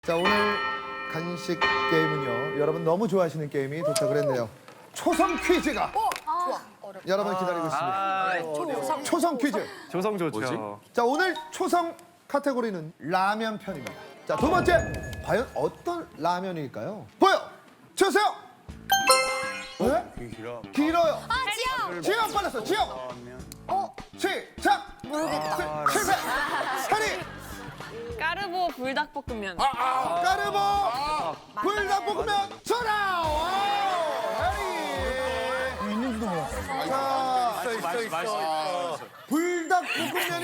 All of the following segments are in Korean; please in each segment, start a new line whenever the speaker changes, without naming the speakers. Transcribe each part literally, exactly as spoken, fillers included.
자, 오늘 간식 게임은요. 여러분 너무 좋아하시는 게임이 도착을 했네요. 초성 퀴즈가 여러분 기다리고 있습니다. 초성 퀴즈.
조성 좋죠.
자, 오늘 초성 카테고리는 라면 편입니다. 자, 두 번째. 과연 어떤 라면일까요? 보여 주세요. 왜?
길어.
길어요.
아, 지영!
지영 빨랐어. 지영.
어?
시작.
모르겠다.
시- 실패. 사리.
까르보 불닭볶음면.
까르보 불닭볶음면 전화. 해리. 있는지도 몰랐어. 자,
있어, 있어, 있어.
불닭볶음면이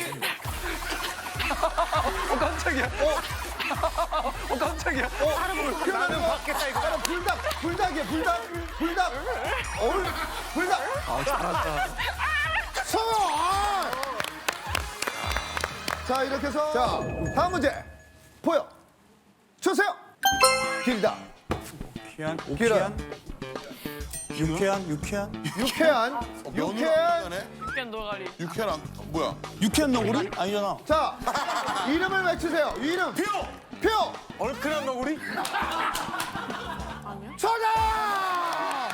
어, 깜짝이야. 어, 어 깜짝이야.
어, 나는 받겠다 이거. 나는 불닭, 불닭이야, 불닭, 불닭. 어울, 불닭.
아, 잘한다.
성공. 아! 자, 이렇게 해서 자, 다음 문제 보여 주세요. 길다.
유쾌한,
길어요.
유쾌한, 유쾌한,
유쾌한, 유쾌한.
육견 노가리.
육회랑 뭐야?
유쾌한 너구리? 아니잖아.
자, 이름을 외치세요. 이름. 표. 표.
얼큰한 너구리?
정답!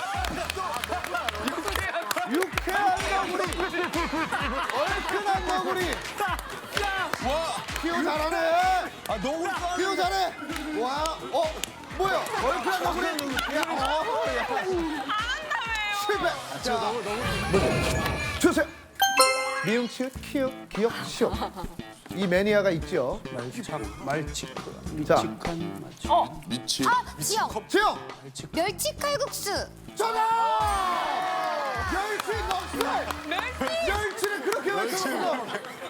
유쾌한 너구리. 얼큰한 너구리. 와, 피오 잘하네.
아 너구리
피오 잘해. 와, 어, 뭐야? 얼큰한 너구리. 야, 어, 야. 실패. 자, 너무 주세요. 미음, 치읓, 키읔, 기역, 시옷. 이 매니아가 있죠.
말치크, 말치크,
자.
미치한 말치크.
어?
미치.
아, 지영!
지영.
멸치 칼국수!
전화! 멸치 넣었어!
멸치!
멸치를 그렇게 외쳤어!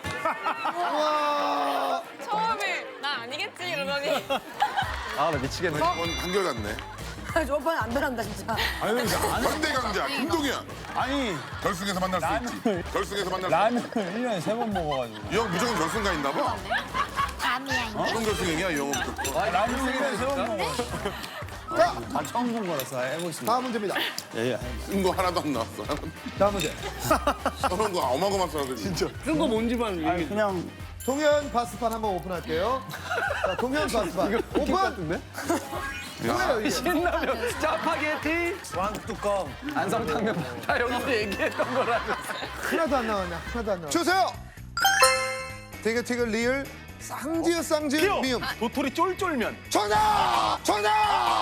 와.
처음에 나 아니겠지 이러더니
아, 나 미치겠네.
이건 한결같네.
저번에 안 변한다, 진짜.
현대 강자 김동현.
아니
결승에서 만날 수 있지. 결승에서 만날 수
라면을 일 년에 세 번 먹어가지고.
있지. 이 형 무조건 결승 가 있나 봐.
감이야, 이게.
무슨 결승이야 이 형은.
라면을 일 년에 세 번 먹어.
자,
아 처음 본 거라서 해보겠습니다.
다음 문제입니다.
예예.
쓴 거 하나도 안 나왔어.
다음 문제.
저런 거 어마어마한 사람들이. 진짜.
아니 그냥
동현 바스판 한번 오픈할게요. 자, 동현 바스판. 오픈!
같은데?
뭐예요, 이게?
신라면, 짜파게티,
왕 뚜껑.
안성탕면. 다 여기서 얘기했던 거라고.
하나도 안 나왔네, 하나도 안 나왔네. 주세요! 티격태격 리을, 쌍지읒 쌍지읒 미음.
도토리 쫄쫄면.
정답! 정답!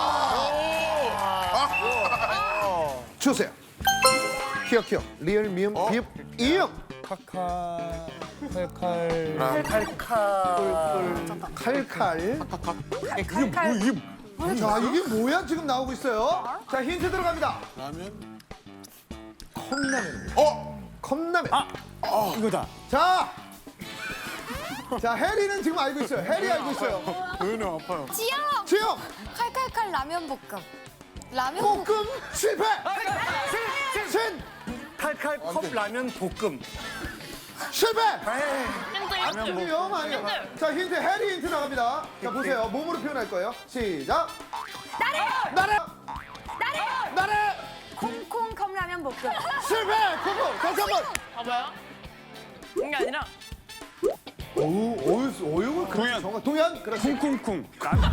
주세요. 키역 키역 리을 미음 비읍 이음.
카카 칼칼
칼칼.
그게 뭐 이게
자, 이게 뭐야? 지금 나오고 있어요. 자, 힌트 들어갑니다.
라면?
컵라면.
어?
컵라면.
어 이거다.
자! 자, 해리는 지금 알고 있어요. 해리 알고 있어요.
도현이 아파요.
지영!
지영!
칼칼칼 라면 볶음. 라면 볶음.
볶음 실패! 신!
칼칼 컵 라면 볶음.
실패!
힌트 힌트.
아니요, 아니요. 자, 힌트, 해리 힌트 나갑니다. 자, 보세요. 몸으로 표현할 거예요. 시작! 나래! 나래! 나래! 나래!
콩콩 컵라면 볶음.
실패! 고고! 다시 한 번!
봐봐요. 그게 아니라
오, 어유, 어유가
동현.
정말 동현? 그렇지.
쿵쿵쿵.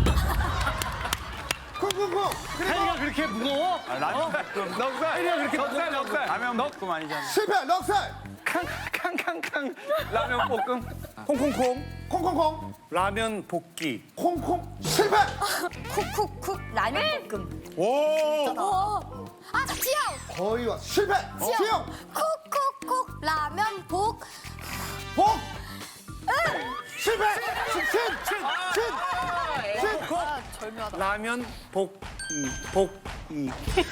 쿵쿵쿵! 그리고
해리가 그렇게 무거워? 아, 라면 볶음.
넉살.
해리가 그렇게
넉살, 넉살.
라면 볶음 아니잖아.
실패! 넉살!
캉캉캉캉. 라면 볶음.
콩콩콩.
콩콩콩!
라면 볶기.
콩콩! 실패!
쿡쿡쿡 라면 볶음.
오.
어. 아, 지영!
거의 왔 실패! 지영!
쿡쿡쿡 라면 볶.
복! 실패! 신! 신! 신! 신!
라면 볶이. 볶이.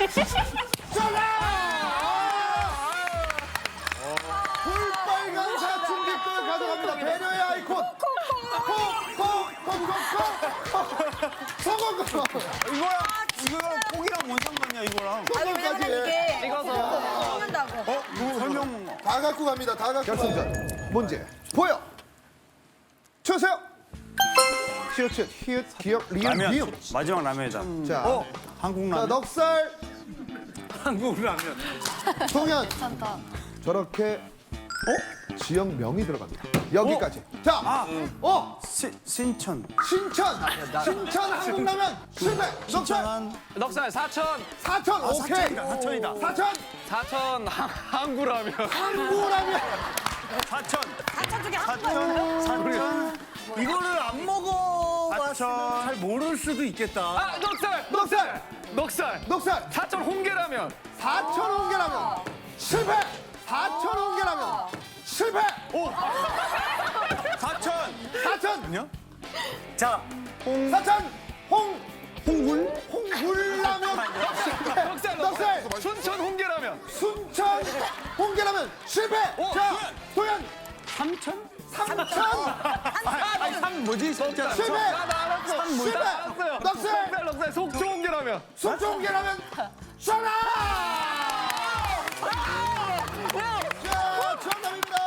볼빨간 사춘기끌 가져갑니다. 배려의 아이콘. 콕콕콕콕콕콕. 성공권.
이거야. 이거랑 콩이랑 뭔 상관이야 이거랑.
성공까지.
찍어서
먹는다고.
어? 이거 설명.
다 갖고 갑니다. 다 갖고 결승전. 문제 보여. 주세요. 치읓 히읗 기역 리을
라면.
미음.
마지막 라면이다.
자,
한국
자
라면.
넉살
한국 라면.
동현.
괜찮다.
저렇게 어? 지역명이 들어갑니다. 여기까지. 자, 어,
시, 신천.
신천. 신천 한국라면 실패. 넉살.
신천.
넉살 사천.
사천. 오케이.
사천이다, 사천이다.
사천.
사천 한- 항구라면.
한국라면.
사천.
사천 중에 한
사천. 사천. 이거를 안 먹어봤으면 잘 모를 수도 있겠다.
아 넉살.
넉살.
넉살.
넉살.
사천 홍게라면.
사천 홍게라면 실패. 사천 홍게라면 실패.
오. 사천.
사천.
아니요? 자, 홍.
사천 홍 홍굴 홍굴라면 실패.
넉살.
넉살.
순천 홍게라면.
순천 홍게라면 실패. 자, 도현
삼천?
삼천
아니, 삼 뭐지? 진짜.
실패.
나나 알았어.
실패.
나 알았어요.
넉살.
넉살 넉살 속초 홍게라면.
순천 홍게라면 전화. 자, 정답입니다.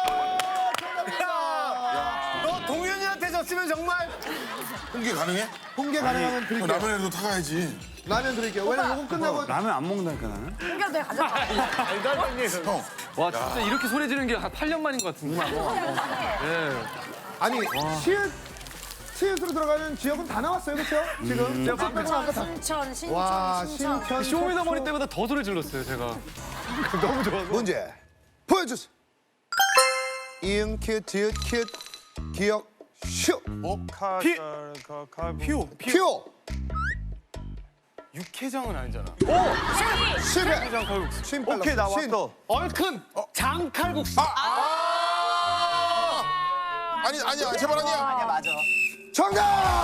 정답입니다.
너 동현이한테 졌으면 정말.
홍게 가능해?
홍게 가능하면
그럼
드릴게요.
라면에도 타가야지.
라면 드릴게요. 왜냐면 이거 끝나고
라면 안 먹는다니까 나는.
홍게도 내가 가져가.
형,
와 진짜 이렇게 소리 지르는 게 한 팔 년 만인 것 같은데. 예.
아니 시읒 시읒으로 들어가는 지역은 다 나왔어요, 그렇죠? 지금 제가 빼고 아까 다.
순천, 신천,
와,
신천.
신천.
쇼미더머니
속초.
때보다 더 소리 질렀어요 제가. 너무 좋아서.
문제 보여주세요. 이응 큐 디귿 큐 기억 슈
피. 퓨.
큐
육회장은 아니잖아.
실패.
칼국수.
신
오케이,
빨랐어. 신.
나왔어.
얼큰 장칼국수.
아니 아니야 제발 아니야.
정답.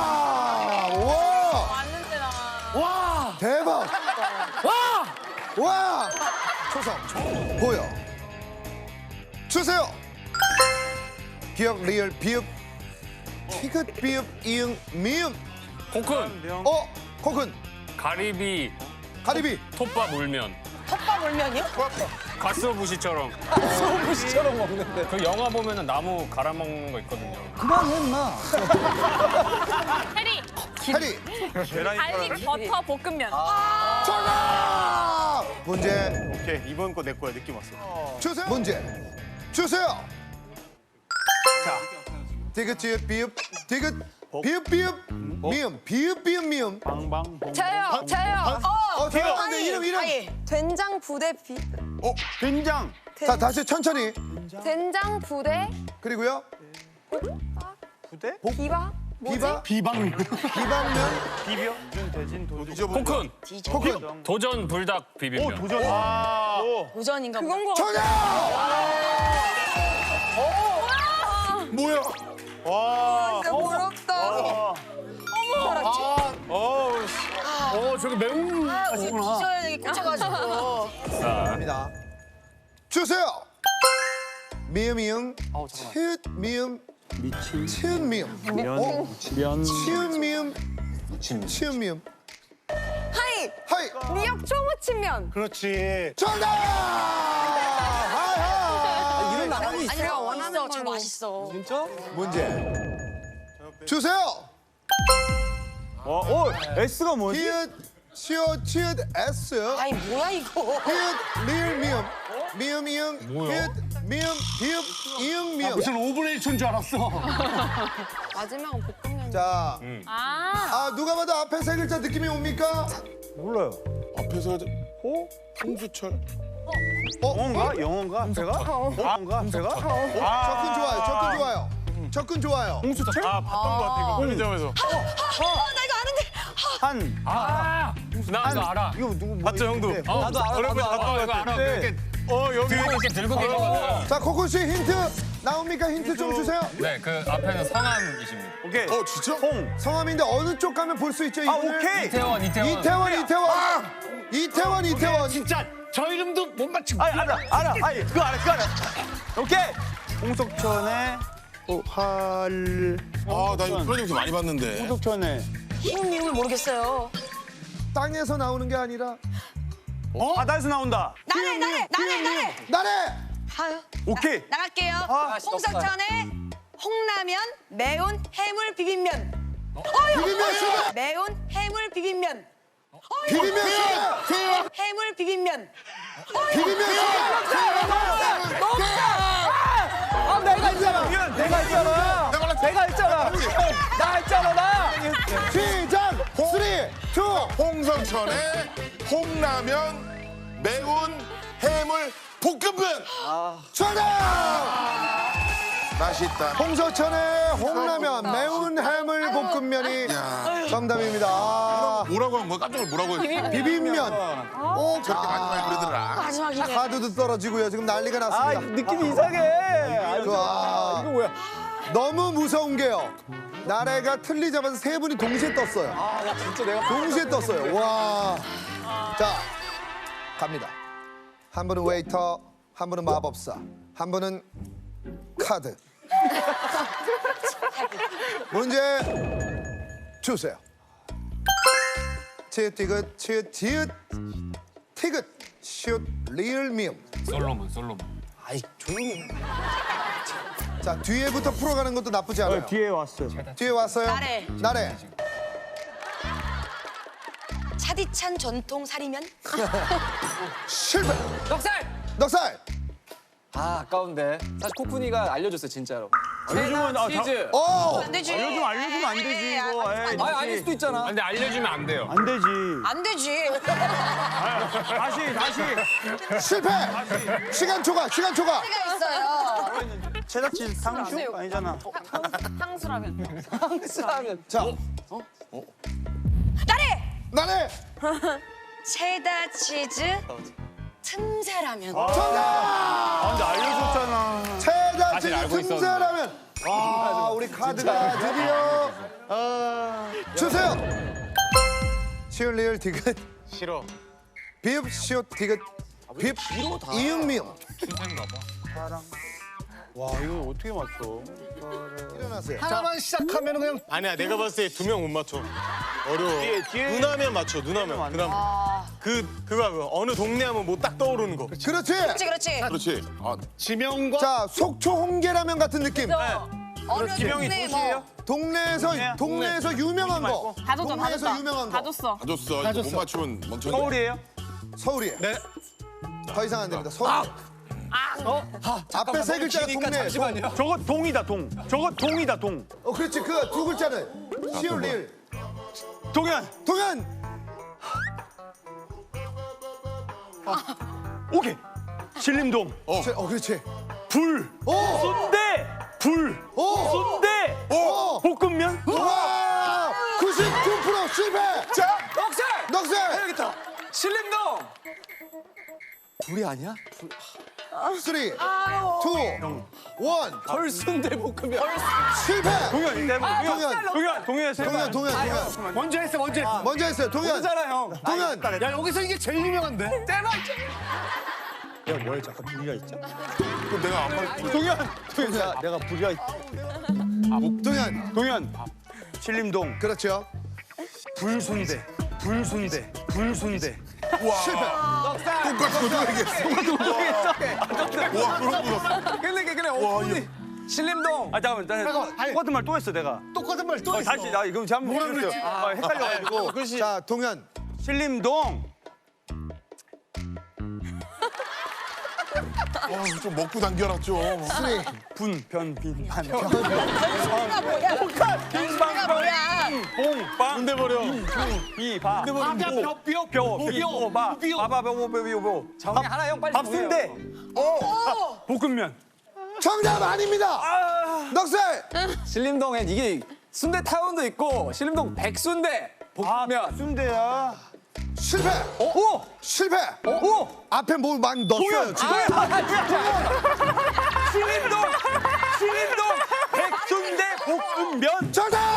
와
왔는데 나.
와 대박. 와 와. 초성 보여 주세요. 기억 리얼 비읍 티귿 비읍 이응 미음
코큰,
어 코큰
가리비,
가리비
톱밥 울면.
컵밥 울면이요?
가스오부시처럼. 가스오부시처럼 먹는데. 그 영화 보면은 나무 갈아 먹는 거 있거든요.
그만해, 임마.
해리.
해리
갈릭 버터 볶음면.
정답. 문제
오케이, 이번 거 내 거야, 느낌 왔어.
주세요. 문제 주세요. 자, 디귿 지읒 비읍 디귿 비읍 비읍 미음 비읍 비읍 미음.
방방.
저요, 저요.
어, 잠깐만요. 이름 이름.
된장 부대 비
된장.
자, 다시 천천히.
된장 부대
그리고요.
부대?
비바
비바
비방.
비방면
비벼. 대진 도전.
코큰,
코큰
도전 불닭
오,
비빔면.
도전. 아. 오.
도전인가 그건 거
정답.
뭐야?
와.
부럽다.
어우.
어, 저기 매운.
기저에 여기 꽂혀가지고.
입니다. 주세요. 미음 이응 치읓 미음
미친.
치읓 미음
면. 면.
치읓 미음 치읓 미음
하이
하이
미역 초무침면.
그렇지.
정답. 하하.
이런 나란히
아니 내가 원하는 저 맛있어.
진짜?
문제 주세요.
어, 오, S가 뭐지?
히읗 시옷 치읓 S
아니 뭐야 이거.
히읗 리을 미음 미음 이응 히읗 미음 비읍 이응 미음
오분의 일 초인 줄 알았어.
마지막은 볶음면.
자,
아.
아 누가 봐도 앞에 세 글자 느낌이 옵니까?
몰라요.
앞에서
호?
홍수철.
영어인가? 영어인가? 제가? 영어인가? 제가?
접근 좋아요. 접근 좋아요. 접근 좋아요.
홍수철?
아, 봤던 것 같아, 이거 편의점에서.
어나 이거 아는데.
한.
아, 나 이거 알아.
이거 누구 뭐
봤죠, 형도?
있는데.
어,
나도 알아.
얼굴
나도
봤던
알아.
이거 알아.
네.
이렇게, 어, 여기. 들고 이렇게 들고 계시거든.
자, 코코 씨 힌트 나옵니까? 힌트 좀 주세요.
네, 그 앞에는 성함이십니다.
오케이.
어 진짜?
홍.
성함인데 어느 쪽 가면 볼 수 있죠?
아,
이분을?
오케이.
이태원, 이태원.
이태원, 이태원. 이태원, 이태원.
진짜 저 이름도 못 맞추고.
아, 알아. 알아. 아니, 그거 알아. 그거 알아. 오케이. 홍석천의 어, 활.
아나 이거 프로젝트 많이 봤는데.
홍석천의.
흰 미음을 모르겠어요.
땅에서 나오는 게 아니라
어? 바다에서 나온다.
나래 나래 나래 나래.
나래.
아유.
오케이.
나갈게요.
아,
홍석천의 홍라면 매운 해물 비빔면.
비빔면 실패.
매운 해물 비빔면.
비빔면 실패.
해물 비빔면.
비빔면 실패. 투.
홍석천의 홍라면 매운 해물 볶음면.
정답.
맛있다.
홍서천의 홍라면 매운 해물 볶음면이
야.
정답입니다. 아,
뭐라고 한 거야? 깜짝 놀라 뭐라고 했어?
비빔면. 오,
저렇게 많이 많이 그러더라.
마지막이네.
카드도 떨어지고요. 지금 난리가
아
났습니다.
느낌이 이상해.
와,
이거 뭐야?
너무 무서운 게요. 나래가 틀리자마자 세 분이 동시에 떴어요.
아 나 진짜 내가
동시에 떴어요. 와. 자, 갑니다. 한 분은 웨이터, 한 분은 마법사, 한 분은 카드. 문제 주세요. 치읓 티귿 치읓 지읒 티귿 시읒 리을 미음.
솔로몬 솔로몬.
아이 조용히. 해.
자, 뒤에부터 풀어가는 것도 나쁘지 않아요.
어, 뒤에 왔어요.
뒤에 왔어요.
나래.
나래.
차디찬 전통 사리면.
실패.
넉살.
넉살.
아 아까운데. 사실 코쿤이가 알려줬어요 진짜로.
알려주면 아,
치즈.
오.
안 되지.
알려주면 알려주면 안 되지
에이,
이거.
안
에이,
되지.
아 아닐 수도 있잖아.
근데 알려주면 안 돼요.
안 되지.
안 되지.
다시 다시.
실패. 시간 초과. 시간 초과.
가 있어요.
체다치 상추 아니잖아.
향수라면.
하면
자,
나래.
나래.
체다 치즈 틈새라면.
정답.
아 근데 알려줬잖아.
체다
사실
치즈
알고 있었는데.
틈새라면. 아, 우리 카드가 드디어 어, 주세요. 시읒 리을 디귿
싫어.
비읍 시읒 디귿 비읍 이응 미음.
순서인가 봐.
와 이거 어떻게 맞춰?
일어나세요.
하나만 시작하면 그냥 아니야 내가 봤을 때 두 명 못 맞춰 어려워
뒤에, 뒤에.
누나면 맞춰 누나면 그다음 그 그거 그 어느 동네 하면 뭐 딱 떠오르는 거
그렇지.
그렇지 그렇지.
그렇지. 아,
지명과
자, 속초 홍게라면 같은 느낌.
어느
지명이
동네
도시예요?
뭐.
동네에서
동네.
동네에서 유명한 거.
다 줬다, 다
동네에서
줬다.
유명한
다
거.
줬어.
다 줬어. 이거 못 맞추면 멍청이.
서울이에요?
서울이에요.
네.
더 이상 안 됩니다. 서울. 앞에 세 글자가 동네.
잠시만요.
저거 동이다 동. 저거 동이다 동.
어, 그렇지. 그 두 글자는 시읒 리을.
동현.
동현.
오케이. 신림동.
어.
제- 어, 그렇지.
불.
오.
순대. 불.
오.
순대.
오.
볶음면.
와! 구십구 퍼센트 실패.
자,
넉살.
넉살.
해야겠다. 신림동. 불이 아니야?
쓰리, 투, 원.
덜순대 볶음면.
실패.
동현 이제 뭐 동현.
동현.
동현. 동현.
동현, 동현, 동현.
먼저 했어 먼저 했어
먼저 했어요. 동현.
모르잖아 형.
동현.
야 여기서 이게 제일 유명한데
야뭘 잠깐 불이가 있죠?
그럼 내가 안 맞.
동현. 동현. 내가 불이가 있.
동현.
동현. 신림동.
그렇죠.
불순대. 불순대. 불순대.
실패.
똑같이 그거 얘기했어. 와, 그런 거 같아.
근데 근데 어머니. 신림동.
아 잠깐만. 나 똑같은 말 또 했어 내가.
똑같은 말 또
어,
했어
다시 나 이거 잘못
뭐라
들었어요.
그랬지?
아, 헷갈려가지고.
그렇지
자, 동현.
신림동.
와, 좀 먹고 당겨라 좀.
쓰리.
분, 변, 빈, 반.
뭐야?
빈방,
뭐야?
봉, 빵.
군대 버려
비, 바.
뼈, 뼈, 뼈,
뼈, 뼈, 바.
뼈.
바바, 뼈, 뼈, 뼈, 뼈.
정리 하나 형 빨리
밥순대. 볶음면.
정답 아닙니다. 넉살.
신림동엔 이게 순대 타운도 있고 신림동 백순대 볶음면.
순대야.
실패.
오!
실패.
오!
앞에 뭘 많이 넣었어요.
동현.
지금.
신림동. 신림동. 백순대 볶음면.
정답.